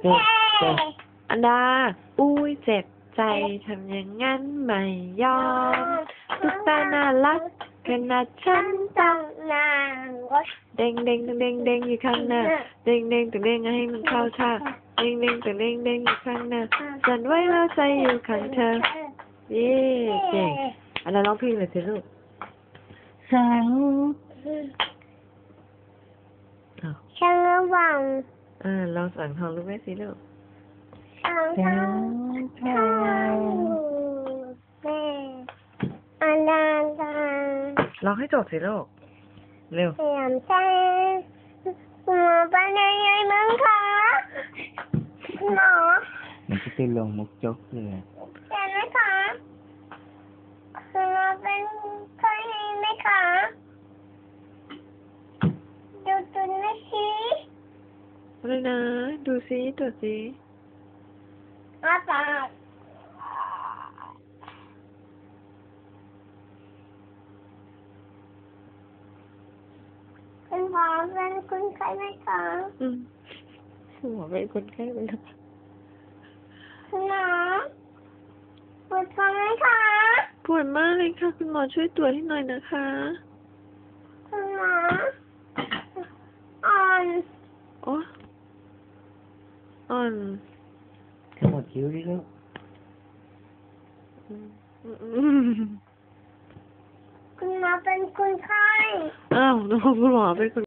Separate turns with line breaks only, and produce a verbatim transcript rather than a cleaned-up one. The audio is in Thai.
เจ็บเจ็บ
อันดา อุ้ยเจ็บใจทำอย่างงั้นไม่ยอมตุ๊กตาน่ารักขนาดฉันต้อง
นางรถ
เด้งเด้งเด้งเด้งอยู่ข้างหน้าเด้งเด้งแต่เด้งให้มันเข้าท่าเด้งเด้งแต่เด้งเด้งอยู่ข้างหน้าสั่นไว้แล้วใจอยู่ข้างเธอเย้เก่งอันดาร้องเพลงเลยสิลูก
สัง
อ้าว
ช่างระวัง
อ่าลองสั่งทองลูกแม่สิลูก
ช่าง
สั
ทาง
งท
ทา
าง
แม่อันดาดา
ร้องให้จบสิลูกเร็ว
เสียมใจหัวไปในใหญ่มั้งคะหมอ
มันจะเป็นลงมุกจกเลย
เห็นไหมคะคือเราเป็นเคยเห็นไหมคะดูตัวนี้สิ
อะไรนะ ดูซิตัวซิ
อาปาก คุณหมอเป็นคุณใครไหมคะ
อืมหัวเป็นคนไข้ไปแล้ว
คุณหมอปวดท้องไหมคะ
ปวดมากเลยค่ะ คุณหมอช่วยตรวจให้หน่อยนะคะ
คุณหมออ่อน
โอ้อ่อน
ทั้งหมดคิ้วดิลูก
อืมอืม
คุณหมอเป็นคุณไข้
อ้าวน้องคุณหมอเป็นคน